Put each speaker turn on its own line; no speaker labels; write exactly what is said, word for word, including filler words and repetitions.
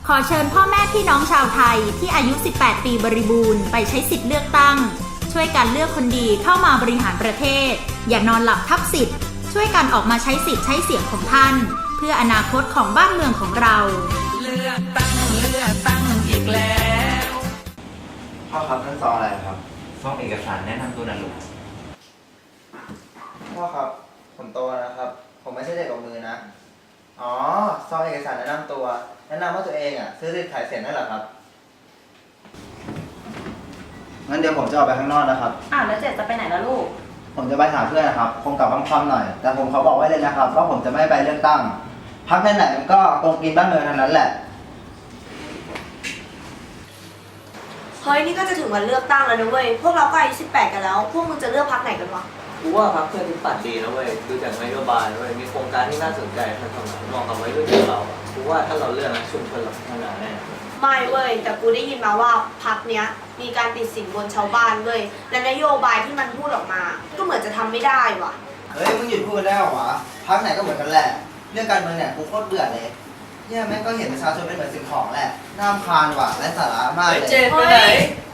ขอเชิญพ่อแม่พี่น้องชาวไทยที่อายุ สิบแปด ปีบริบูรณ์ไปใช้สิทธิ์เลือกตั้งช่วยกันเลือกคนดีเข้ามาบริหารประเทศอย่านอนหลับทับสิทธิ์ช่วยกันออกมาใช้สิทธิ์ใช้เสียงของท่านเพื่ออนาคตของบ้านเมืองของเรา
เลือกตั้งเลือกตั้งอีกแล้ว
พ่อครับนั่นซองอะไรครับ
ซองเอกสารแนะนำตัวนะลูก
พ่อครับผมโตแล้วนะครับผมไม่ใช่เด็กกับมือนะอ๋อซองเอกสารแนะนำตัวแนะนำว่าตัวเองอ่ะซื้อสิทธิ์ขายเสียงนั่นเหรอครับงั้นเดี๋ยวผมจะออกไปข้างนอกนะครับ
อ้าวแล้วเจ็ดจะไปไหนล่ะลูก
ผมจะไปหาเพื่อนนะครับคงกลับค่ำๆหน่อยแต่ผมเขาบอกไว้เลยนะครับว่าผมจะไม่ไปเลือกตั้งพรรคไหนๆมันก็โกงกินบ้านเมืองทั้งนั้นแหละ
เฮ้ยนี่ก็จะถึงวันเลือกตั้งแล้วนะเว้ยพวกเราก็อายุสิบแปดกันแล้วพวกมึงจะเลือกพรรคไหนกันวะ
กูว่าพรรคเพื่อนที่ปัดดีนะเว้ยดูจากนโยบายเว้ยมีโครงการที่น่าสนใจทันสมัยเหมาะกับวัยรุ่นอย่างเรากูว่าถ้าเราเลือกนะชุมชนเราพัฒนาแน่
ไม่เว้ยแต่กูได้ยินมาว่าพรรคเนี้ยมีการติดสินบนชาวบ้านเว้ยและนโยบายที่มันพูดออกมาก็เหมือนจะทำไม่ได้ว่ะ
เฮ้ยมึงหยุดพูดได้หรอวะพรรคไหนก็เหมือนกันแหละเรื่องการเมืองเนี่ยกูโคตรเบื่อเลยเนี่ยแม่งก็เห็นประชาชนเป็นเหมือนสิ่งของแหละน่ารำคาญว่ะและสาระมากเลย
เจ๊ไปไหน